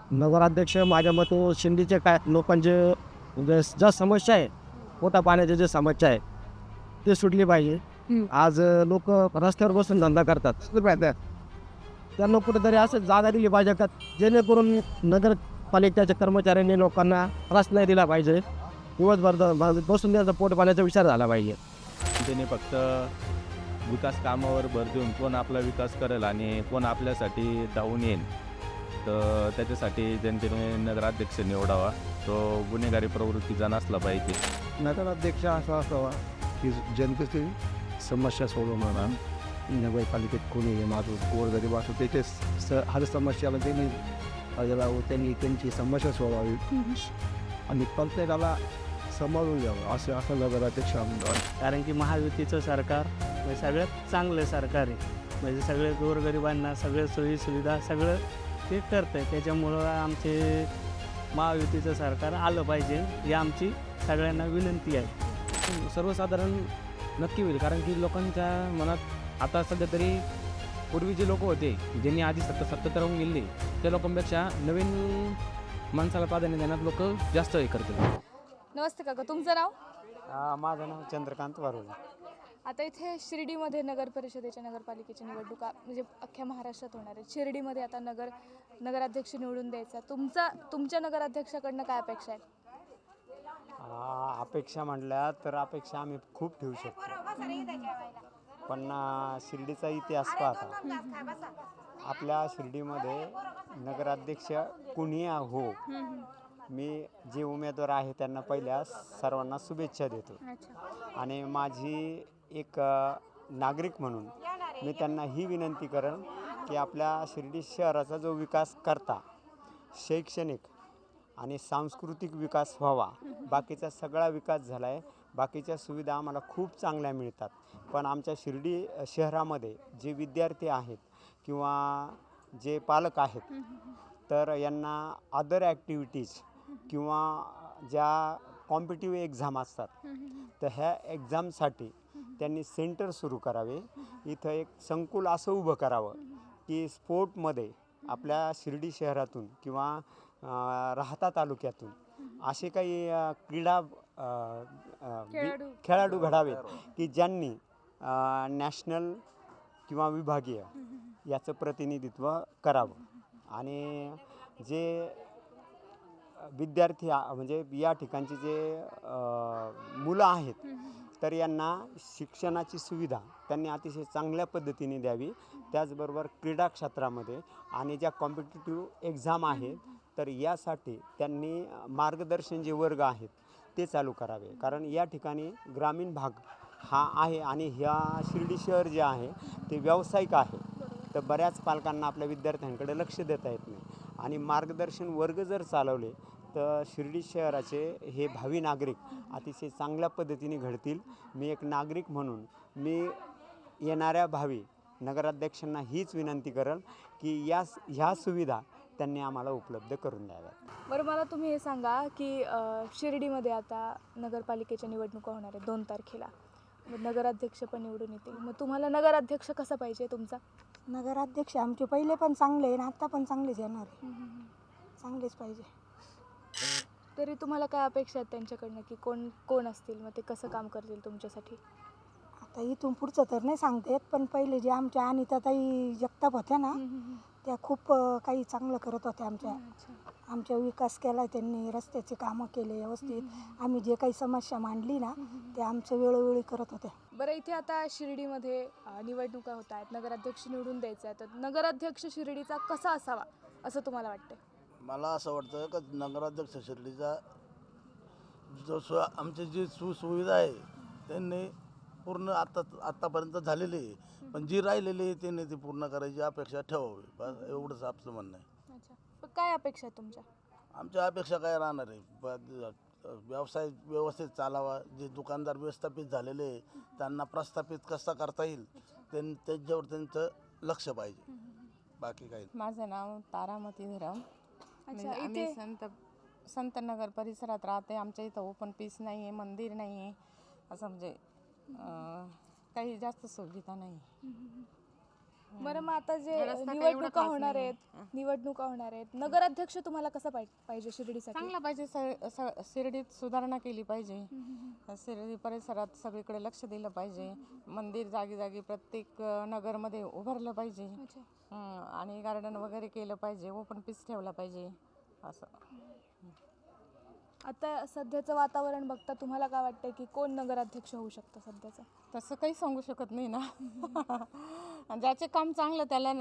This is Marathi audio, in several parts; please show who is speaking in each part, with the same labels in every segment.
Speaker 1: नगराध्यक्ष माझ्या मते शिंदेचे काय लोकांचे ज्या समस्या आहे, पोटा पाण्याच्या जे समस्या आहे ते सुटली पाहिजे. आज लोक रस्त्यावर बसून धंदा करतात. त्यांना कुठेतरी असं जागा दिली पाहिजे का जेणेकरून नगरपालिकेच्या कर्मचाऱ्यांनी लोकांना त्रास नाही दिला पाहिजे. दिवसभर बसून त्याचा पोट पाण्याचा विचार झाला पाहिजे.
Speaker 2: त्याने फक्त विकास कामावर भर देऊन कोण आपला विकास करेल आणि कोण आपल्यासाठी धावून येईल, तर त्याच्यासाठी जनतेने नगराध्यक्ष निवडावा. तो गुन्हेगारी प्रवृत्तीचा नसला पाहिजे.
Speaker 3: नगराध्यक्ष असा असावा की जनतेची समस्या सोडवणारा. नगरपालिकेत कोणी माणूस गोरगरीब असो त्याचे हर समस्याला त्यांनी त्यांची समस्या सोडवावी आणि प्रत्येकाला सांभाळून घ्यावं असं नगराध्यक्ष आमदार.
Speaker 4: कारण की महायुतीचं सरकार म्हणजे सगळ्यात चांगलं सरकार आहे. म्हणजे सगळे गोरगरिबांना सगळे सोयीसुविधा सगळं ते करतं आहे. त्याच्यामुळं आमचे महायुतीचं सरकार आलं पाहिजे ही आमची सगळ्यांना विनंती आहे.
Speaker 5: सर्वसाधारण नक्की होईल, कारण की लोकांच्या मनात आता सध्या तरी पूर्वी जे लोक होते ज्यांनी आधी सत्तेत राहून गेले त्या लोकांपेक्षा नवीन माणसाला प्राधान्य देण्यात लोक जास्त हे करतात.
Speaker 6: नमस्ते काका, तुमचं नाव?
Speaker 4: माझं नाव चंद्रकांत वारुळे.
Speaker 6: आता इथे शिर्डीमध्ये नगर परिषदेच्या नगरपालिकेची निवडणुका म्हणजे अख्ख्या महाराष्ट्रात होणार आहे. शिर्डीमध्ये आता नगराध्यक्ष निवडून द्यायचा. तुमच्या नगराध्यक्षाकडनं काय अपेक्षा आहेत?
Speaker 4: अपेक्षा म्हटल्या तर अपेक्षा आम्ही खूप ठेवू शकतो, पण शिर्डीचा इतिहास पाहता आपल्या शिर्डीमध्ये नगराध्यक्ष कुणी हो, मी जे उमेदवार आहे त्यांना पहिल्या सर्वांना शुभेच्छा देतो. आणि माझी एक नागरिक म्हणून मी त्यांना ही विनंती करेन की आपल्या शिर्डी शहराचा जो विकास करता शैक्षणिक आणि सांस्कृतिक विकास व्हावा. बाकीचा सगळा विकास झाला आहे, बाकीच्या सुविधा आम्हाला खूप चांगल्या मिळतात, पण आमच्या शिर्डी शहरामध्ये जे विद्यार्थी आहेत किंवा जे पालक आहेत तर यांना अदर ॲक्टिव्हिटीज किंवा ज्या कॉम्पिटिटिव्ह एक्झाम असतात तर ह्या एक्झामसाठी त्यांनी सेंटर सुरू करावे. इथं एक संकुल असं उभं करावं की स्पोर्टमध्ये आपल्या शिर्डी शहरातून किंवा राहता तालुक्यातून असे काही खेळाडू घडावेत की ज्यांनी नॅशनल किंवा विभागीय याचं प्रतिनिधित्व करावं. आणि जे विद्यार्थी म्हणजे या ठिकाणचे जे मुलं आहेत तर यांना शिक्षणाची सुविधा त्यांनी अतिशय चांगल्या पद्धतीने द्यावी. त्याचबरोबर क्रीडा क्षेत्रामध्ये आणि ज्या कॉम्पिटिटिव्ह एक्झाम आहेत तर यासाठी त्यांनी मार्गदर्शन जे वर्ग आहेत ते चालू करावे. कारण या ठिकाणी ग्रामीण भाग हा आहे आणि ह्या शिर्डी शहर जे आहे ते व्यावसायिक आहे, तर बऱ्याच पालकांना आपल्या विद्यार्थ्यांकडे लक्ष देता येत नाही. आणि मार्गदर्शन वर्ग जर चालवले तर शिर्डी शहराचे हे भावी नागरिक अतिशय चांगल्या पद्धतीने घडतील. मी एक नागरिक म्हणून मी येणाऱ्या भावी नगराध्यक्षांना हीच विनंती करेन की ह्या सुविधा त्यांनी आम्हाला उपलब्ध करून द्याव्यात.
Speaker 6: बरं, मला तुम्ही हे सांगा की शिर्डीमध्ये आता नगरपालिकेच्या निवडणुका होणार आहेत 2 तारखेला. नगराध्यक्ष पण निवडून येतील. मग तुम्हाला नगराध्यक्ष कसा पाहिजे तुमचा?
Speaker 7: नगराध्यक्ष आमचे पहिले पण चांगले आहे आणि आत्ता पण चांगलेच येणार आहे. चांगलेच पाहिजे.
Speaker 6: तरी तुम्हाला काय अपेक्षा आहेत त्यांच्याकडनं की कोण असतील, मग ते कसं काम करतील तुमच्यासाठी?
Speaker 7: आता इथून पुढचं तर नाही सांगता येत, पण पहिले जे आमच्या अनिताताई जगताप होत्या ना त्या खूप काही चांगलं करत होत्या. आमच्या विकास केला त्यांनी, रस्त्याचे कामं केले व्यवस्थित. आम्ही जे काही समस्या मांडली ना ते आमचं वेळोवेळी करत होत्या.
Speaker 6: बरं, इथे आता शिर्डीमध्ये निवडणुका होत आहेत, नगराध्यक्ष निवडून द्यायचा आहे, तर नगराध्यक्ष शिर्डीचा कसा असावा असं तुम्हाला वाटतं?
Speaker 8: मला असं वाटतं का नगराध्यक्ष शिर्डीचा जो आमची जी सुविधा आहे त्यांनी पूर्ण आत्तापर्यंत झालेली आहे, पण जी राहिलेली आहे त्यांनी ती पूर्ण करायची अपेक्षा ठेवावी. बस एवढंच आपलं म्हणणं आहे.
Speaker 6: अच्छा, पण काय अपेक्षा आहे तुमच्या?
Speaker 8: आमच्या अपेक्षा काय राहणार आहे, व्यवसाय व्यवस्थित चालावा. जे दुकानदार विस्थापित झालेले आहे त्यांना प्रस्थापित कसा करता येईल त्यांच्यावर त्यांचं लक्ष पाहिजे, बाकी काही.
Speaker 9: माझं नाव तारामती धरम. आम्ही संत नगर परिसरात राहते. आमच्या इथं ओपन पीस नाही आहे, मंदिर नाही आहे, असं म्हणजे काही जास्त सुविधा नाही.
Speaker 6: बरं मग आता जे
Speaker 9: रस्ता काही
Speaker 6: निवडणुका
Speaker 9: एवढा खास
Speaker 6: होणार
Speaker 9: नाहीये.
Speaker 6: आहेत निवडणुका होणार आहेत नगराध्यक्ष तुम्हाला कसा पाहिजे शिर्डीसाठी?
Speaker 9: चांगला पाहिजे. शिर्डीत सुधारणा केली पाहिजे. शिर्डी परिसरात सगळीकडे लक्ष दिलं पाहिजे. मंदिर जागी जागी प्रत्येक नगरमध्ये उभारलं पाहिजे.
Speaker 6: अच्छा.
Speaker 9: आणि गार्डन वगैरे केलं पाहिजे. ओपन पीस ठेवला पाहिजे असं.
Speaker 6: आता सध्याचं वातावरण बघता तुम्हाला काय वाटतंय की कोण नगराध्यक्ष होऊ शकतं सध्याचं?
Speaker 9: तसं काही सांगू शकत नाही ना. ज्याचे काम चांगलं त्याला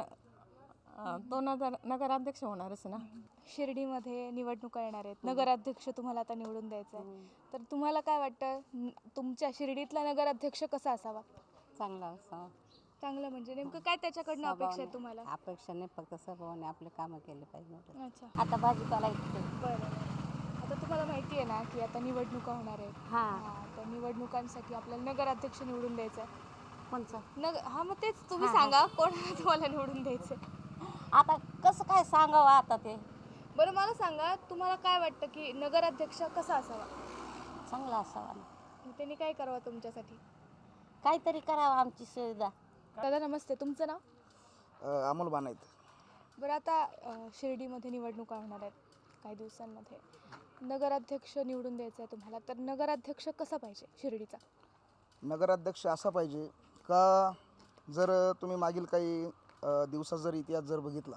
Speaker 9: तो नगराध्यक्ष होणारच ना.
Speaker 6: शिर्डीमध्ये निवडणुका येणार आहेत नगराध्यक्ष तुम्हाला आता निवडून द्यायचा आहे तर तुम्हाला काय वाटतं तुमच्या शिर्डीतला नगराध्यक्ष कसा असावा?
Speaker 10: चांगला असावा.
Speaker 6: चांगलं म्हणजे नेमकं काय त्याच्याकडनं अपेक्षा आहे तुम्हाला?
Speaker 10: अपेक्षा नाही, फक्त स्वभावाने आपले कामं केले पाहिजे.
Speaker 6: अच्छा.
Speaker 10: आता भाजीपाला इथे
Speaker 6: बरं. आता तुम्हाला माहिती आहे ना की आता निवडणुका होणार आहेत.
Speaker 10: हां.
Speaker 6: तर निवडणुकांसाठी आपल्याला नगराध्यक्ष निवडून द्यायचं आहे.
Speaker 10: कोणचं?
Speaker 6: हा मग तेच तुम्ही सांगा कोण तुम्हाला निवडून द्यायचं आहे?
Speaker 10: आता कसं काय सांगावं आता ते.
Speaker 6: बरं मला सांगा तुम्हाला काय वाटतं की नगराध्यक्ष कसा असावा?
Speaker 10: चांगला असावा.
Speaker 6: मग त्यांनी काय करावं तुमच्यासाठी?
Speaker 10: काहीतरी करावं आमची सुविधा.
Speaker 6: दादा नमस्ते, तुमचं नाव?
Speaker 3: अमोल बानायत.
Speaker 6: बरं आता शिर्डीमध्ये निवडणुका होणार आहेत काही दिवसांमध्ये. नगराध्यक्ष निवडून द्यायचा आहे तुम्हाला तर नगराध्यक्ष कसा पाहिजे शिर्डीचा?
Speaker 3: नगराध्यक्ष असा पाहिजे का, जर तुम्ही मागील काही दिवसात जर इतिहास जर बघितला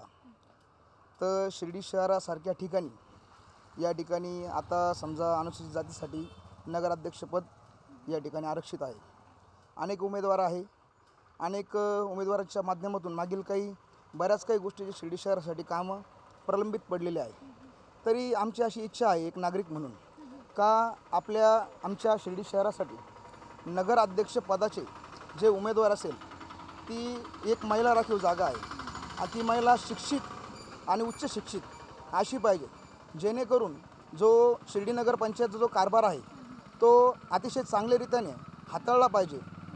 Speaker 3: तर शिर्डी शहरासारख्या ठिकाणी या ठिकाणी आता समजा अनुसूचित जातीसाठी नगराध्यक्षपद या ठिकाणी आरक्षित आहे. अनेक उमेदवार आहे. अनेक उमेदवारांच्या माध्यमातून मागील बऱ्याच काही गोष्टी जे शिर्डी शहरासाठी कामं प्रलंबित पडलेले आहे. तरी आमची अशी इच्छा आहे एक नागरिक म्हणून का आमच्या शिर्डी शहरासाठी नगराध्यक्षपदाचे जे उमेदवार असेल ती एक महिला राखीव जागा आहे आणि ती महिला शिक्षित आणि उच्च शिक्षित अशी पाहिजे, जेणेकरून जो शिर्डी नगर पंचायतचा जो कारभार आहे तो अतिशय चांगल्या रीतीने हाताळला पाहिजे.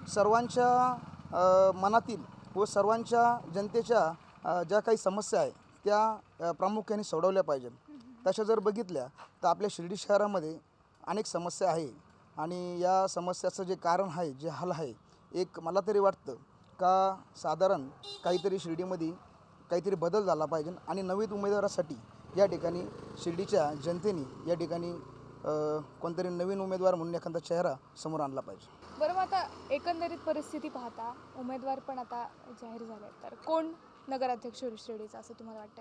Speaker 3: सर्वांच्या मनातील व सर्वांच्या जनतेच्या ज्या काही समस्या आहे त्या प्रामुख्याने सोडवल्या पाहिजेत. तशा जर बघितल्या तर आपल्या शिर्डी शहरामध्ये अनेक समस्या आहे आणि या समस्याचं जे कारण आहे, जे हल आहे, एक मला तरी वाटतं का साधारण काहीतरी शिर्डीमध्ये काहीतरी बदल झाला पाहिजे आणि नवीन उमेदवारासाठी या ठिकाणी शिर्डीच्या जनतेने या ठिकाणी कोणतरी नवीन उमेदवार म्हणून एखादा चेहरा समोर आणला पाहिजे.
Speaker 6: बरं मग आता एकंदरीत परिस्थिती पाहता उमेदवार पण आता जाहीर झाले तर कोण नगराध्यक्ष होईल शिर्डीचा असं तुम्हाला वाटतंय?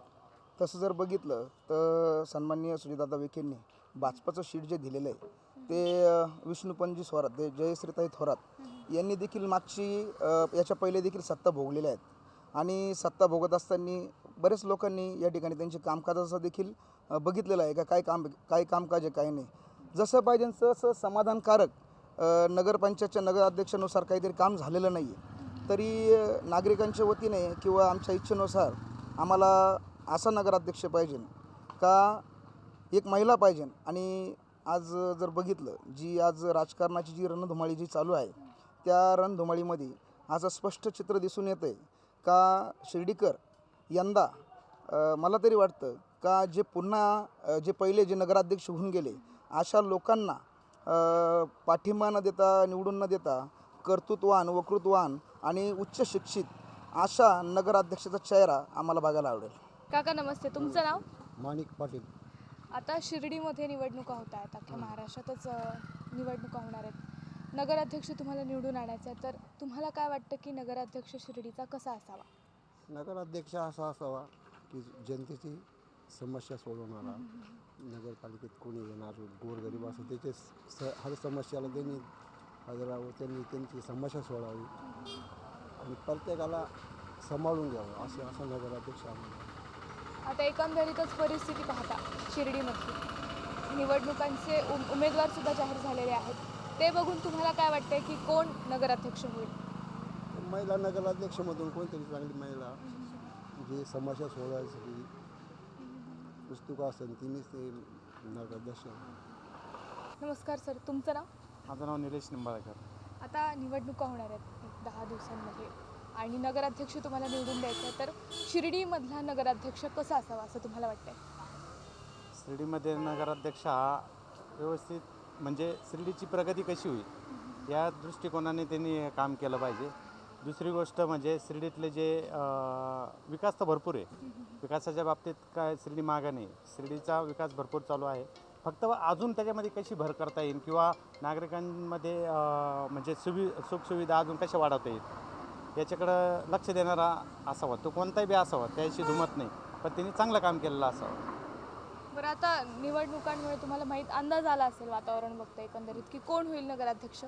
Speaker 3: तसं जर बघितलं तर सन्माननीय सुजितदादा विखेंनी भाजपाचं शीट जे दिलेलं आहे ते विष्णुपंजी थोरात, ते जयश्रीताई थोरात यांनी देखील याच्या पहिले देखील सत्ता भोगलेल्या आहेत आणि सत्ता भोगत असताना बरेच लोकांनी या ठिकाणी त्यांचे कामकाजाचं देखील बघितलेलं आहे का काय कामकाज आहे काय नाही. जसं पाहिजे तसं समाधानकारक नगरपंचायतच्या नगराध्यक्षानुसार काहीतरी काम झालेलं नाही आहे. तरी नागरिकांच्या वतीने किंवा आमच्या इच्छेनुसार आम्हाला असा नगराध्यक्ष पाहिजे का एक महिला पाहिजे. आणि आज जर बघितलं जी आज राजकारणाची जी रणधुमाळी जी चालू आहे त्या रणधुमाळीमध्ये आज स्पष्ट चित्र दिसून येतं आहे का शिर्डीकर यंदा मला तरी वाटतं का जे पहिले जे नगराध्यक्ष होऊन गेले अशा लोकांना पाठिंबा न देता, निवडून न देता कर्तृत्वान, वक्तृत्वान आणि उच्च शिक्षित अशा नगराध्यक्षाचा चेहरा आम्हाला बघायला आवडेल.
Speaker 6: काका नमस्ते, तुमचं नाव?
Speaker 3: माणिक पाटील.
Speaker 6: आता शिर्डीमध्ये निवडणुका होत आहेत, अख्ख्या महाराष्ट्रातच निवडणुका होणार आहेत. नगराध्यक्ष तुम्हाला निवडून आणायचा आहे तर तुम्हाला काय वाटतं की नगराध्यक्ष शिर्डीचा कसा असावा?
Speaker 3: नगराध्यक्ष असा असावा की जनतेची समस्या सोडवणारा, नगरपालिकेत कोणी येणार गोरगरीब असं त्याचे हर समस्याला त्यांनी त्यांची समस्या सोडावी आणि प्रत्येकाला सांभाळून घ्यावं असा नगराध्यक्ष आम्हाला.
Speaker 6: आता एकंदरीतच परिस्थिती पाहता शिर्डीमध्ये निवडणुकांचे उमेदवारसुद्धा जाहीर झालेले आहेत, ते बघून तुम्हाला काय वाटतंय की कोण नगराध्यक्ष होईल?
Speaker 3: महिला नगराध्यक्षमधून कोणतरी चांगली महिला जी समस्या सोडवायसाठी पुस्तकं असेल तिनेच ते नगराध्यक्ष.
Speaker 6: नमस्कार सर, तुमचं नाव?
Speaker 4: माझं नाव निलेश निंबाळकर.
Speaker 6: आता निवडणुका होणार आहेत 10 दिवसांमध्ये आणि नगराध्यक्ष तुम्हाला निवडून द्यायचा आहे तर शिर्डीमधला नगराध्यक्ष कसा असावा असं तुम्हाला वाटतंय?
Speaker 4: शिर्डीमध्ये नगराध्यक्ष हा व्यवस्थित म्हणजे शिर्डीची प्रगती कशी होईल या दृष्टिकोनाने त्यांनी काम केलं पाहिजे. दुसरी गोष्ट म्हणजे शिर्डीतले जे विकास तर भरपूर आहे. विकासाच्या बाबतीत काय शिर्डी मागं नाही. शिर्डीचा विकास भरपूर चालू आहे. फक्त अजून त्याच्यामध्ये कशी भर करता येईल किंवा नागरिकांमध्ये म्हणजे सुखसुविधा अजून कशा वाढवता येईल याच्याकडं लक्ष देणारा असावा. तो कोणताही बी असावा, त्याशी दुमत नाही, पण त्यांनी चांगलं काम केलेलं असावं.
Speaker 6: बरं, आता निवडणुकांमुळे तुम्हाला माहीत अंदाज आला असेल वातावरण बघता एकंदरीत की कोण होईल नगराध्यक्ष?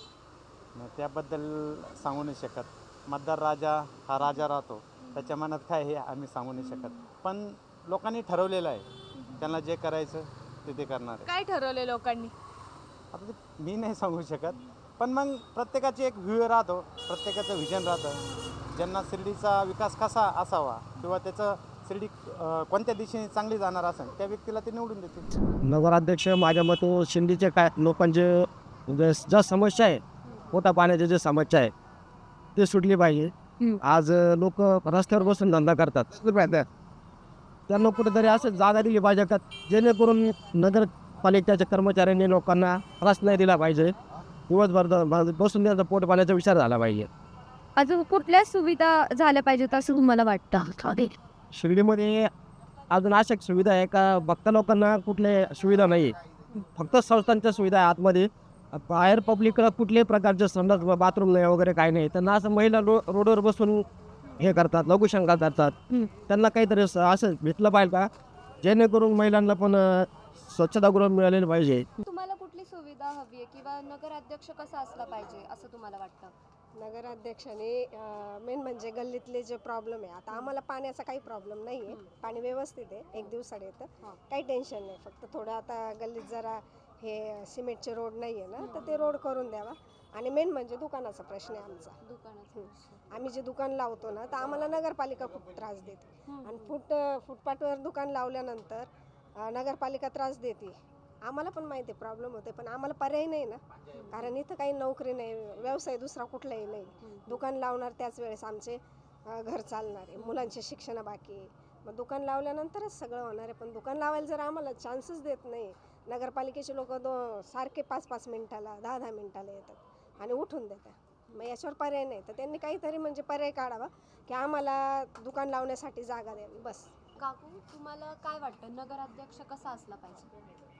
Speaker 4: त्याबद्दल सांगू नाही शकत. मतदार राजा हा राजा राहतो, त्याच्या मनात काय हे आम्ही सांगू नाही शकत. पण लोकांनी ठरवलेलं आहे, त्यांना जे करायचं ते करणार आहे.
Speaker 6: काय ठरवले लोकांनी?
Speaker 4: आता ते मी नाही सांगू शकत, पण मग प्रत्येकाची एक व्ह्यू राहतो, प्रत्येकाचं व्हिजन राहतं. ज्यांना शिर्डीचा विकास कसा असावा किंवा त्याचं शिर्डी कोणत्या दिशेने चांगली जाणार असेल त्या व्यक्तीला ते निवडून देतील.
Speaker 1: नगराध्यक्ष माझ्या मते शिंदीचे काय लोकांचे ज्या समस्या आहे, पोटा पाण्याच्या जे समस्या आहे ते सुटली पाहिजे. आज लोक रस्त्यावर बसून धंदा करतात. त्यांना कुठेतरी असं जागा दिली पाहिजे का जेणेकरून नगरपालिकेच्या कर्मचाऱ्यांनी लोकांना त्रास नाही दिला पाहिजे. दिवसभर बसून त्यांचा पोट पाण्याचा विचार झाला पाहिजे.
Speaker 11: अजून कुठल्या सुविधा झाल्या पाहिजेत असं तुम्हाला वाटतं?
Speaker 1: शिर्डीमध्ये अजून अशा सुविधा आहे का बघता लोकांना कुठल्या सुविधा नाही, फक्त संस्थांच्या सुविधा आहे आतमध्ये. बाहेर पब्लिकला कुठल्याही प्रकारचे संडास बाथरूम नाही वगैरे काही नाही. त्यांना असं महिला रोडवर बसून हे करतात, लघुशंका करतात. त्यांना काहीतरी असं भेटलं पाहिजे का जेणेकरून महिलांना पण स्वच्छतागृह मिळालेलं पाहिजे.
Speaker 11: तुम्हाला कुठली सुविधा हवी आहे किंवा नगराध्यक्ष कसा असला पाहिजे असं तुम्हाला वाटतं?
Speaker 7: नगराध्यक्षाने मेन म्हणजे गल्लीतले जे प्रॉब्लेम आहे, आता आम्हाला पाण्याचा काही प्रॉब्लेम नाही आहे, पाणी व्यवस्थित आहे, एक दिवसाड येतं, काही टेन्शन नाही. फक्त थोडं आता गल्लीत जरा हे सिमेंटचे रोड नाही आहे ना, तर ते रोड करून द्यावा. आणि मेन म्हणजे दुकानाचा प्रश्न आहे आमचा. आम्ही जे दुकान लावतो ना, तर आम्हाला नगरपालिका खूप त्रास देते. आणि फुटपाथवर दुकान लावल्यानंतर नगरपालिका त्रास देते. आम्हाला पण माहिती आहे प्रॉब्लेम होते, पण आम्हाला पर्याय नाही ना, कारण इथं काही नोकरी नाही, व्यवसाय दुसरा कुठलाही नाही. दुकान लावणार त्याच वेळेस आमचे घर चालणार आहे, मुलांचे शिक्षण बाकी आहे. मग दुकान लावल्यानंतरच सगळं होणार आहे. पण दुकान लावायला जर आम्हाला चान्सच देत नाही, नगरपालिकेचे लोक सारखे 5-5 मिनिटाला 10-10 मिनिटाला येतात आणि उठून देतात. मग याच्यावर पर्याय नाही, तर त्यांनी काहीतरी म्हणजे पर्याय काढावा की आम्हाला दुकान लावण्यासाठी जागा द्यावी बस.
Speaker 11: काकू, तुम्हाला काय वाटतं नगराध्यक्ष कसा असला पाहिजे?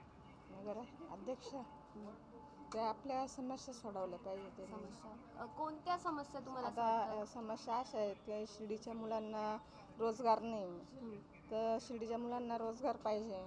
Speaker 9: अध्यक्ष ते आपल्या समस्या सोडवल्या पाहिजे.
Speaker 11: समस्या कोणत्या समस्या तुम्हाला
Speaker 9: आता समस्या अशा आहेत की शिर्डीच्या मुलांना रोजगार नाही, तर शिर्डीच्या मुलांना रोजगार पाहिजे.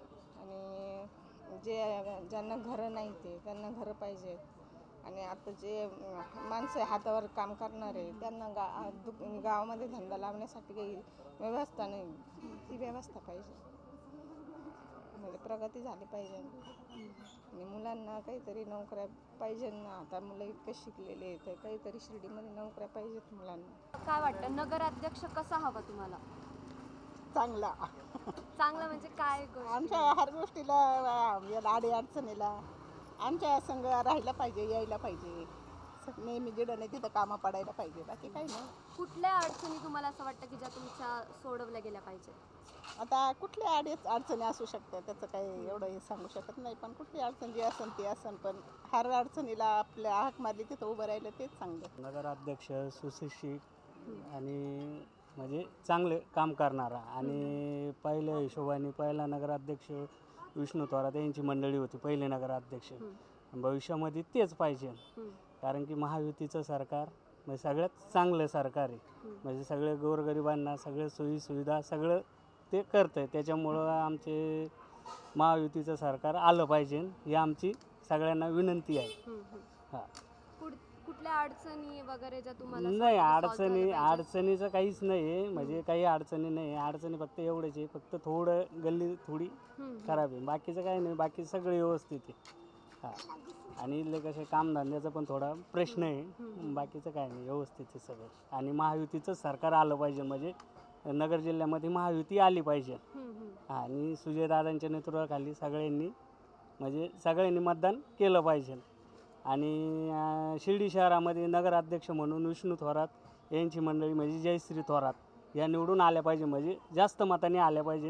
Speaker 9: आणि ज्यांना घरं नाही ते त्यांना घरं पाहिजेत. आणि आता जे माणसं हातावर काम करणारे त्यांना गावामध्ये धंदा लावण्यासाठी काही व्यवस्था नाही, ती व्यवस्था पाहिजे. म्हणजे प्रगती झाली पाहिजे. आणि मुलांना काहीतरी नोकऱ्या पाहिजे ना. आता मुलं इतकं शिकलेले आहेत, तर काहीतरी शिर्डीमध्ये नोकऱ्या पाहिजेत मुलांना.
Speaker 11: काय वाटतं नगराध्यक्ष कसा हवा तुम्हाला?
Speaker 9: चांगला
Speaker 11: चांगला म्हणजे काय?
Speaker 9: आमच्या हर गोष्टीला अडी अडचणीला आमच्या संघ राहायला पाहिजे, यायला पाहिजे. नेहमी जिडं नाही तिथं कामं पडायला पाहिजे, बाकी काही नाही.
Speaker 11: कुठल्या अडचणी तुम्हाला असं वाटतं की ज्या तुमच्या सोडवल्या गेल्या पाहिजे?
Speaker 9: आता कुठल्या अडचणी असू शकतात, त्याचं काही एवढं हे सांगू शकत नाही. पण कुठली अडचण जी असेल ती असेल, पण हर अडचणीला आपल्या हाक मारली तिथं उभं राहिलं तेच चांगलं.
Speaker 12: नगराध्यक्ष सुशिक्षित आणि म्हणजे चांगले काम करणारा. आणि पहिल्या हिशोबाने पहिला नगराध्यक्ष विष्णू थोरात यांची मंडळी होती पहिले नगराध्यक्ष. भविष्यामध्ये तेच पाहिजे, कारण की महायुतीचं सरकार म्हणजे सगळ्यात चांगलं सरकार आहे. म्हणजे सगळे गोरगरिबांना सगळे सोयीसुविधा सगळं ते करतं आहे. त्याच्यामुळं आमचे महायुतीचं सरकार आलं पाहिजे ही आमची सगळ्यांना विनंती आहे. हां,
Speaker 11: कुठल्या अडचणी वगैरे ज्या तुम्हाला
Speaker 12: नाही अडचणीचं काहीच नाही आहे. म्हणजे काही अडचणी नाही आहे. अडचणी फक्त एवढेच आहे, फक्त थोडं गल्ली थोडी खराब आहे, बाकीचं काही नाही, बाकी सगळं व्यवस्थित आहे. हां, आणि इथले कसे कामधंद्याचा पण थोडा प्रश्न आहे, बाकीचं काही नाही, व्यवस्थित आहे सगळं. आणि महायुतीचं सरकार आलं पाहिजे, म्हणजे नगर जिल्ह्यामध्ये महायुती आली पाहिजे. आणि सुजयदादांच्या नेतृत्वाखाली सगळ्यांनी मतदान केलं पाहिजे. आणि शिर्डी शहरामध्ये नगराध्यक्ष म्हणून विष्णू थोरात यांची मंडळी म्हणजे जयश्री थोरात या निवडून आल्या पाहिजे, म्हणजे जास्त मताने आल्या पाहिजे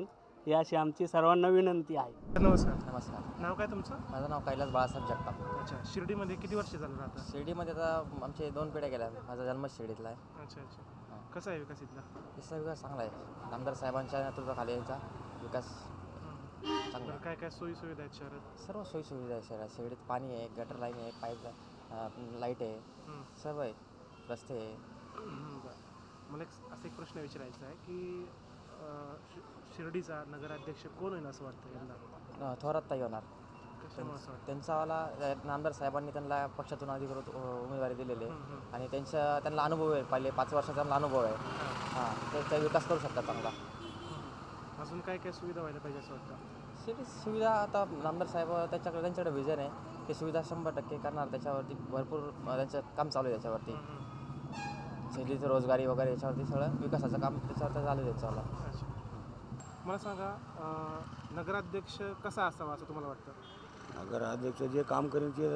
Speaker 12: ही अशी आमची सर्वांना विनंती आहे.
Speaker 13: नमस्कार.
Speaker 14: नमस्कार,
Speaker 13: नाव काय तुमचं?
Speaker 14: माझं नाव कैलास बाळासाहेब जगताप.
Speaker 13: अच्छा. शिर्डीमध्ये किती वर्ष झालं राहता?
Speaker 14: शिर्डीमध्ये आता आमचे 2 पिढ्या गेल्या. माझा जन्म शिर्डीतला आहे.
Speaker 13: अच्छा अच्छा. कसा आहे विकास इथला?
Speaker 14: तिसरा विकास चांगला आहे. आमदार साहेबांच्या नेतृत्वाखाली यांचा विकास चांगला
Speaker 13: बरं,
Speaker 14: आहे.
Speaker 13: काय काय सोयी सुविधा आहेत शहरात?
Speaker 14: सर्व सोयीसुविधा आहे शहरात. शिर्डीत पाणी आहे, गटर लाईन आहे, पाईप लाईट आहे, सर्व आहे, रस्ते आहे.
Speaker 13: बरं. मला एक प्रश्न विचारायचा आहे की शिर्डीचा नगराध्यक्ष कोण होईल असं वाटतं यंदा?
Speaker 14: थोरात ताई होणार.
Speaker 13: कशामुळे असं वाटतं?
Speaker 14: त्यांचावाला आमदार साहेबांनी त्यांना पक्षातून अधिकृत उमेदवारी दिलेली आहे आणि त्यांना अनुभव आहे. पहिले 5 वर्षाचा त्यांना अनुभव आहे. हां, ते विकास करू शकतात चांगला.
Speaker 13: अजून काय काय सुविधा व्हायला पाहिजे असं वाटतं?
Speaker 14: शिर्डी सुविधा आता आमदार साहेब त्यांच्याकडे विजन आहे. ते सुविधा 100% करणार. त्याच्यावरती भरपूर त्यांचं काम चालू आहे. त्याच्यावरती शिर्डीचं रोजगारी वगैरे याच्यावरती सगळं विकासाचं काम त्याच्यावर चालू आहे त्याच्यावर.
Speaker 13: अच्छा. मला सांगा, नगराध्यक्ष कसा असावा असं तुम्हाला वाटतं?
Speaker 3: नगराध्यक्ष जे काम करेल ते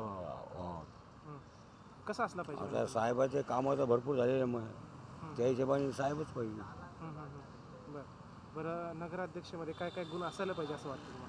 Speaker 13: कसा असला पाहिजे?
Speaker 3: आता साहेबाचे कामं तर भरपूर झालेले मग त्या हिशोबाने साहेबच पाहिजे.
Speaker 13: बरं बरं, नगराध्यक्षमध्ये काय काय गुण असायला पाहिजे असं वाटतं तुम्हाला?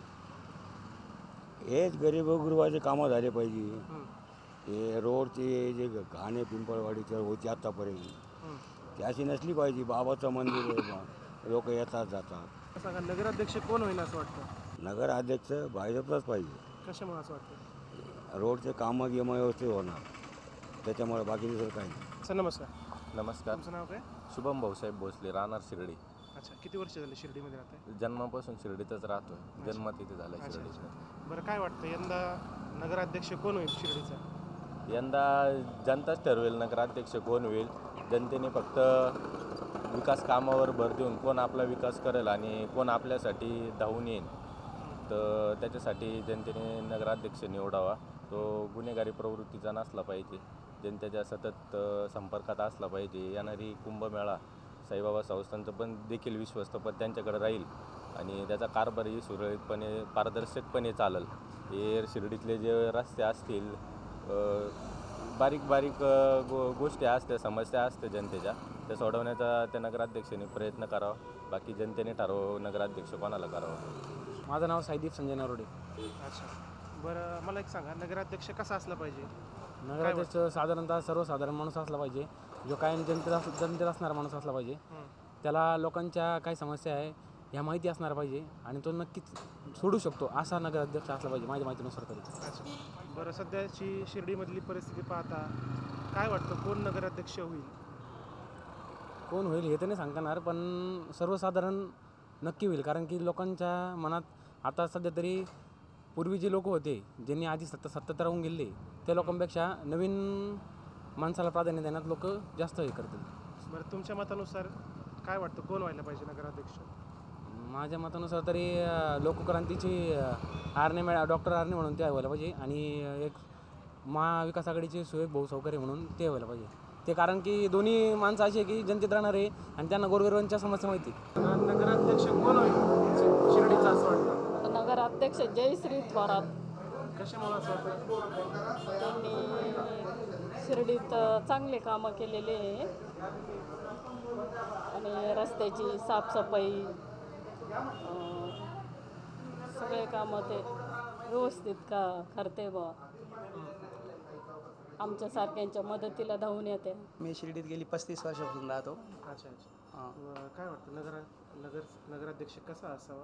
Speaker 3: हेच गरीबगुरबाचे कामं झाले पाहिजे. हे रोडचे जे घाणे पिंपळवाडीचं होते आत्तापर्यंत ते अशी नसली पाहिजे. बाबाचं मंदिर आहे, लोक येतात जातात.
Speaker 13: सांगा, नगराध्यक्ष कोण होईल असं वाटतं?
Speaker 3: नगराध्यक्ष भाजपलाच पाहिजे.
Speaker 13: कशामुळे असं वाटतं?
Speaker 3: रोडचे कामं गिमं व्यवस्थित होणार, त्याच्यामुळे बाकी दुसरं काही नाही.
Speaker 13: सर नमस्कार.
Speaker 2: नमस्कार.
Speaker 13: तुमचं नाव काय?
Speaker 2: शुभम भाऊसाहेब भोसले, राहणार शिर्डी.
Speaker 13: अच्छा. किती वर्ष झाले शिर्डीमध्ये राहताय?
Speaker 2: जन्मापासून शिर्डीतच राहतोय. जन्म तिथे झाला
Speaker 13: अच्छा
Speaker 2: शिर्डीत.
Speaker 13: अच्छा. बरं, काय वाटतं यंदा नगराध्यक्ष कोण होईल शिर्डीचा?
Speaker 2: यंदा जनताच ठरवेल नगराध्यक्ष कोण होईल. जनतेने फक्त विकास कामावर भर देऊन कोण आपला विकास करेल आणि कोण आपल्यासाठी धावून येईल, तर त्याच्यासाठी जनतेने नगराध्यक्ष निवडावा. तो गुन्हेगारी प्रवृत्तीचा नसला पाहिजे, जनतेच्या सतत संपर्कात असला पाहिजे. येणारी कुंभमेळा साईबाबा संस्थांचं पण देखील विश्वस्तपद त्यांच्याकडे राहील आणि त्याचा कारभारही सुरळीतपणे पारदर्शकपणे चालेल. हे शिर्डीतले जे रस्ते असतील, बारीक बारीक गोष्टी असत्या, समस्या असते जनतेच्या, त्या सोडवण्याचा त्या नगराध्यक्षांनी प्रयत्न करावा. बाकी जनतेने ठरवावं नगराध्यक्ष कोणाला करावं.
Speaker 5: माझं नाव साईदीप संजय नरोडे.
Speaker 13: अच्छा. बरं, मला एक सांगा, नगराध्यक्ष कसा असला पाहिजे?
Speaker 5: नगराध्यक्ष साधारणतः सर्वसाधारण माणूस असला पाहिजे, जो कायम जनतेत असणारा माणूस असला पाहिजे. त्याला लोकांच्या काय समस्या आहे ह्या माहिती असणार पाहिजे आणि तो नक्कीच सोडू शकतो असा नगराध्यक्ष असला पाहिजे माझ्या माहितीनुसार तरी.
Speaker 13: अच्छा. बरं, सध्याची शिर्डीमधली परिस्थिती पाहता काय वाटतं, कोण नगराध्यक्ष होईल?
Speaker 5: कोण होईल हे तर नाही सांगता येणार, पण सर्वसाधारण नक्की होईल. कारण की लोकांच्या मनात आता सध्या तरी पूर्वी जे लोक होते ज्यांनी आधी सत्ता राहून गेले त्या लोकांपेक्षा नवीन माणसाला प्राधान्य देण्यात लोक जास्त हे करतील.
Speaker 13: बरं, तुमच्या मतानुसार काय वाटतं, कोण व्हायला पाहिजे नगराध्यक्ष?
Speaker 5: माझ्या मतानुसार तरी लोकक्रांतीची डॉक्टर आर्ने म्हणून ते व्हायला पाहिजे आणि एक महाविकास आघाडीचे सुयोग भाऊ सावकारे म्हणून ते व्हायला पाहिजे. ते कारण की दोन्ही माणसं अशी आहे की जनतेत राहणार आहे आणि त्यांना गोरगरिबांच्या समस्या माहिती.
Speaker 13: नगराध्यक्ष कोण होईल शिर्डीचा असं वाटतं?
Speaker 10: नगराध्यक्ष जयश्री थोरात.
Speaker 13: कशामुळे असं वाटतं?
Speaker 10: त्यांनी शिर्डीत चांगले कामं केलेले आहे आणि रस्त्याची साफसफाई सगळे कामं ते व्यवस्थित करते बा. आमच्यासारख्यांच्या मदतीला धावून येते.
Speaker 12: मी शिर्डीत गेली 35 वर्षापासून राहतो.
Speaker 13: अच्छा अच्छा. काय वाटतं, नगराध्यक्ष कसा असावा?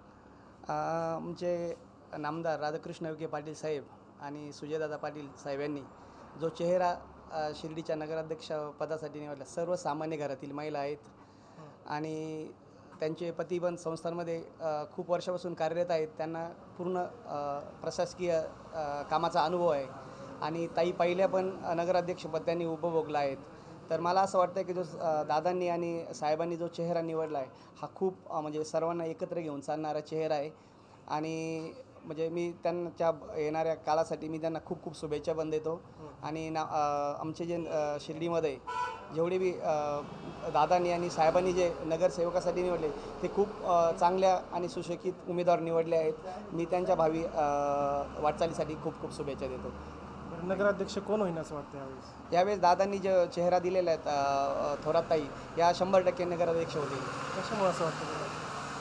Speaker 12: आमचे नामदार राधाकृष्ण विखे पाटील साहेब आणि सुजयदादा पाटील साहेब यांनी जो चेहरा शिर्डीच्या नगराध्यक्ष पदासाठी निवडला, सर्वसामान्य घरातील महिला आहेत आणि त्यांचे पती पण संस्थांमध्ये खूप वर्षापासून कार्यरत आहेत. त्यांना पूर्ण प्रशासकीय कामाचा अनुभव आहे आणि ताई पहिल्या पण नगराध्यक्षपद त्यांनी उपभोगला आहेत. तर मला असं वाटतं की जो दादांनी आणि साहेबांनी जो चेहरा निवडला आहे हा खूप म्हणजे सर्वांना एकत्र घेऊन चालणारा चेहरा आहे आणि म्हणजे मी त्यांच्या येणाऱ्या काळासाठी मी त्यांना खूप खूप शुभेच्छा पण देतो. आणि आमचे जे शिर्डीमध्ये जेवढे बी दादांनी आणि साहेबांनी जे नगरसेवकासाठी निवडले ते खूप चांगल्या आणि सुशिक्षित उमेदवार निवडले आहेत. मी त्यांच्या भावी वाटचालीसाठी खूप खूप शुभेच्छा देतो.
Speaker 13: नगराध्यक्ष कोण होईल असं वाटतं यावेळेस?
Speaker 12: यावेळेस दादांनी जे चेहरा दिलेला आहे थोरात ताई या 100% नगराध्यक्ष होतील.
Speaker 13: कशामुळे असं वाटतं?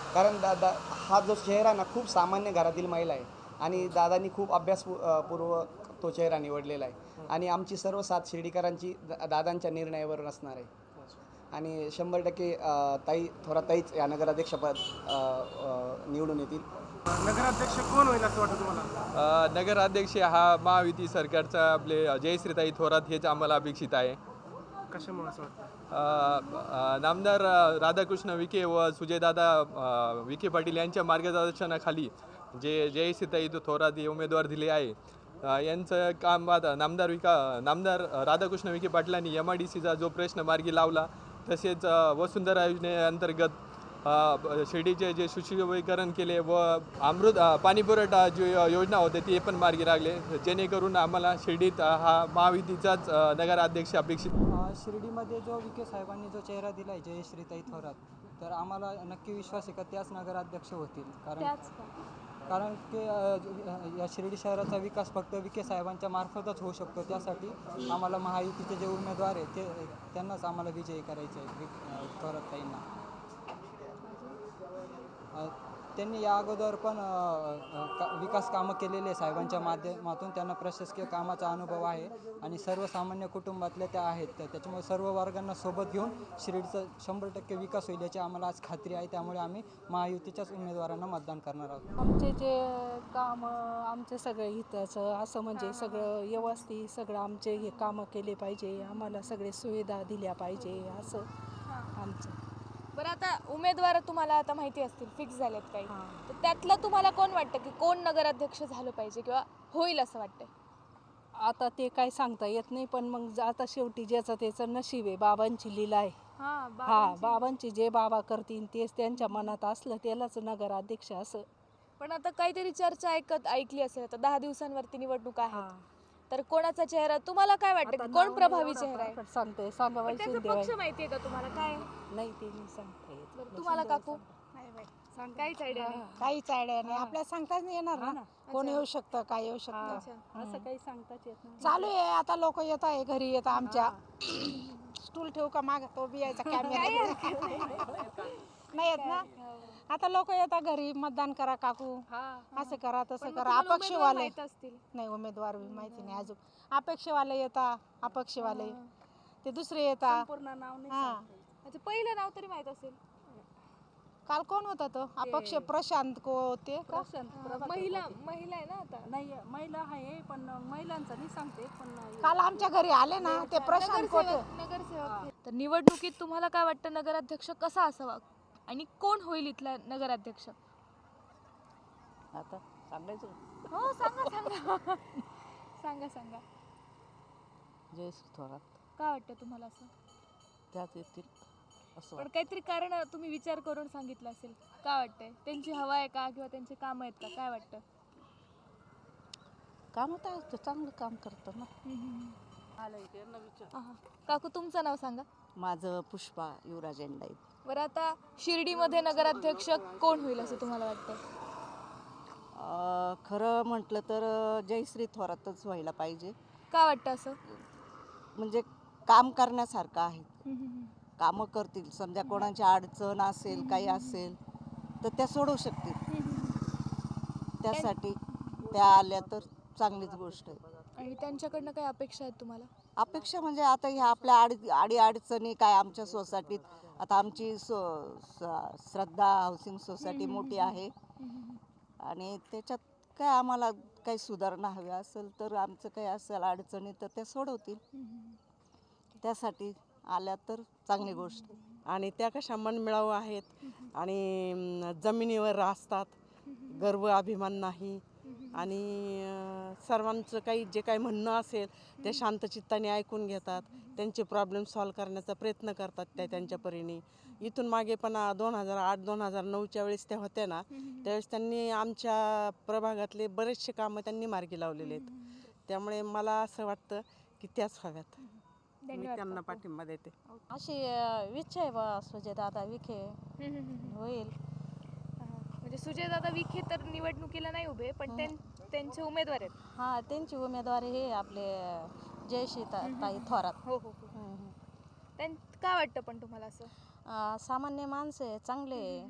Speaker 15: कारण दादा हा जो चेहरा ना खूप सामान्य घरातील महिला आहे आणि दादांनी खूप अभ्यासपूर्वक तो चेहरा निवडलेला आहे आणि आमची सर्व साथ शिर्डीकरांची दादांच्या निर्णयावर असणार आहे आणि 100% ताईच या नगराध्यक्षपद निवडून येतील.
Speaker 13: नगराध्यक्ष कोण होईल असं वाटतं तुम्हाला?
Speaker 16: नगराध्यक्ष हा महायुती सरकारचा आपले जयश्रीताई थोरात हेच आम्हाला अपेक्षित आहे.
Speaker 13: कशामुळे असं वाटतं?
Speaker 16: नामदार राधाकृष्ण विखे व सुजयदादा विखे पाटील यांच्या मार्गदर्शनाखाली जे जयश्रीताई थोरात हे उमेदवार दिले आहे यांचं काम आता नामदार राधाकृष्ण विखे पाटलांनी MIDCचा जो प्रश्न मार्गी लावला तसेच वसुंधरा योजनेअंतर्गत शिर्डीचे जे सुशोभीकरण केले व अमृत पाणीपुरवठा जी योजना होते ती पण मार्गी लागले जेणेकरून आम्हाला शिर्डीत हा महायुतीचाच नगराध्यक्ष अपेक्षित.
Speaker 17: शिर्डीमध्ये जो विखे साहेबांनी जो चेहरा दिला आहे जयश्रीताई थोरात तर आम्हाला नक्की विश्वास आहे का त्याच नगराध्यक्ष होतील कारण की या शिर्डी शहराचा विकास फक्त विखे साहेबांच्या मार्फतच होऊ शकतो. त्यासाठी आम्हाला महायुतीचे जे उमेदवार आहेत त्यांनाच आम्हाला विजयी करायचे आहे थोरातताईंना. त्यांनी या अगोदर पण विकास कामं केलेले साहेबांच्या माध्यमातून त्यांना प्रशासकीय कामाचा अनुभव आहे आणि सर्वसामान्य कुटुंबातल्या त्या आहेत त्याच्यामुळे सर्व वर्गांना सोबत घेऊन शिर्डीचा 100% विकास होईल याची आम्हाला आज खात्री आहे. त्यामुळे आम्ही महायुतीच्याच उमेदवारांना मतदान करणार आहोत.
Speaker 10: आमचे जे काम आमचं सगळं हिताचं असं म्हणजे सगळं व्यवस्थित सगळं आमचे हे कामं केले पाहिजे आम्हाला सगळे सुविधा दिल्या पाहिजे असं आमचं.
Speaker 6: बरं आता उमेदवार तुम्हाला आता माहिती असतील फिक्स झालेत काही तर त्यातलं तुम्हाला कोण वाटतं की कोण नगराध्यक्ष झालं पाहिजे किंवा होईल असं वाटतंय?
Speaker 10: आता ते काय सांगता येत नाही पण मग आता शेवटी ज्याचं त्याचं नशीब आहे बाबांची लीला आहे. बाबांची जे बाबा करतील तेच त्यांच्या मनात असलं त्यालाच नगराध्यक्ष असं.
Speaker 6: पण आता काहीतरी चर्चा ऐकली असेल आता 10 दिवसांवरती निवडणूक आहे तर कोणाचा चेहरा तुम्हाला काय वाटतं की कोण प्रभावी चेहरा आहे?
Speaker 10: सांगते सांगायचं
Speaker 6: पक्ष माहिती आहे का तुम्हाला काय
Speaker 10: नाही ते नाही सांगता येत.
Speaker 6: तुम्हाला काकू काहीच आयडिया नाही?
Speaker 7: काहीच आयडिया नाही आपल्याला सांगताच नाही येणार ना कोण येऊ शकतं काय येऊ शकतं
Speaker 10: असं काही सांगताच येत नाही.
Speaker 7: चालू आहे आता लोक येत आहे घरी येतात आमच्या स्टूल ठेवू का माग तो बी यायचा कॅमेरा नाही येत ना आता लोक येतात घरी मतदान करा काकू असं करा तसं करा अपक्षवाले नाही उमेदवार बी माहिती नाही अजून अपेक्षवाले येतात अपक्षवाले ते दुसरे येतात
Speaker 10: पूर्ण नाव नाही
Speaker 7: हां
Speaker 6: अच्छा पहिलं नाव तरी माहित असेल.
Speaker 7: काल कोण होता तो अपक्ष प्रशांत को होते का
Speaker 6: महिला आहे ना आता
Speaker 10: नाही महिला आहे पण महिलांचं नाही सांगते पण
Speaker 7: काल आमच्या घरी आले ना ते प्रशांत कोटे
Speaker 6: नगरसेवक. तर निवडणुकीत तुम्हाला काय वाटतं नगराध्यक्ष कसा असावा आणि कोण होईल इथला नगराध्यक्ष?
Speaker 10: आता सांगायचं
Speaker 6: हो सांगा सांगा.
Speaker 10: जयश्री थोरात
Speaker 6: काय वाटतं तुम्हाला असं?
Speaker 10: त्यात येतील असं
Speaker 6: पण काहीतरी कारण तुम्ही विचार करून सांगितलं असेल. काय वाटतंय त्यांची हवा आहे का किंवा त्यांचे काम आहेत का काय वाटतं?
Speaker 10: काम तर चांगलं काम करतं ना.
Speaker 6: काकू तुमचं नाव सांगा.
Speaker 9: माझं पुष्पा युवराज एंडाई.
Speaker 6: बरं आता शिर्डीमध्ये नगराध्यक्ष कोण होईल असं तुम्हाला वाटतं?
Speaker 9: खरं म्हटलं तर जयश्री थोरातच व्हायला पाहिजे.
Speaker 6: काय वाटतं असं?
Speaker 9: म्हणजे काम करण्यासारखं आहे कामं करतील समजा कोणाची अडचण असेल काही असेल तर त्या सोडवू शकतील त्यासाठी त्या आल्या तर चांगलीच गोष्ट आहे.
Speaker 6: आणि त्यांच्याकडनं काही अपेक्षा आहेत तुम्हाला?
Speaker 9: अपेक्षा म्हणजे आता ह्या आपल्या अडीअडचणी काय आमच्या सोसायटीत आता आमची श्रद्धा हाऊसिंग सोसायटी मोठी आहे आणि त्याच्यात काय आम्हाला काही सुधारणा हवी असेल तर आमचं काही असेल अडचणी तर त्या सोडवतील त्यासाठी आल्या तर चांगली गोष्ट.
Speaker 18: आणि त्या कशा मनमिळाऊ आहेत आणि जमिनीवर असतात गर्व अभिमान नाही आणि सर्वांचं काही जे काही म्हणणं असेल ते शांतचित्ताने ऐकून घेतात त्यांचे प्रॉब्लेम सॉल्व करण्याचा प्रयत्न करतात त्या त्यांच्या परीने. इथून मागे पण 2008-2009च्या वेळेस त्या होत्या ना त्यावेळेस त्यांनी आमच्या प्रभागातले बरेचसे कामं त्यांनी मार्गी लावलेले आहेत. त्यामुळे मला असं वाटतं की त्याच हव्यात. मी त्यांना पाठिंबा देते.
Speaker 10: अशी इच्छा आहे बा सुजयदादा विखे होईल.
Speaker 6: म्हणजे सुजयदादा विखे तर निवडणुकीला नाही उभे पण त्यांचे उमेदवार आहेत.
Speaker 10: हां त्यांची उमेदवारी हे आपले जयश्रीताई थोरात.
Speaker 6: हो हो काय वाटतं पण तुम्हाला असं?
Speaker 10: सामान्य माणसं आहे चांगले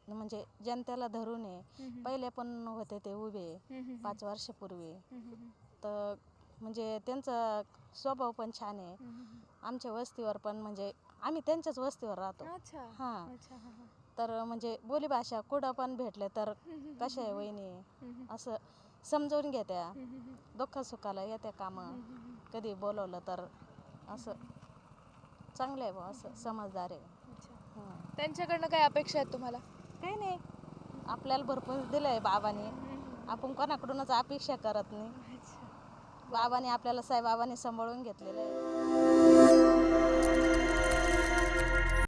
Speaker 10: म्हणजे जनतेला धरून आहे. पहिले पण होते ते उभे 5 वर्षापूर्वी. तर म्हणजे त्यांचा स्वभाव पण छान आहे. आमच्या वस्तीवर पण म्हणजे आम्ही त्यांच्याच वस्तीवर राहतो. हां. तर म्हणजे बोलीभाषा कुठं पण भेटले तर कशा आहे वहिनी असं समजून घेत्या. दुःखसुखाला येत्या कामं. कधी बोलवलं तर असं चांगलं आहे बा, असं समजदार आहे.
Speaker 6: त्यांच्याकडनं काय अपेक्षा आहेत तुम्हाला?
Speaker 10: काही नाही, आपल्याला भरपूर दिलं आहे बाबांनी. आपण कोणाकडूनच अपेक्षा करत नाही. बाबांनी आपल्याला साईबाबांनी सांभाळून घेतलेलं आहे.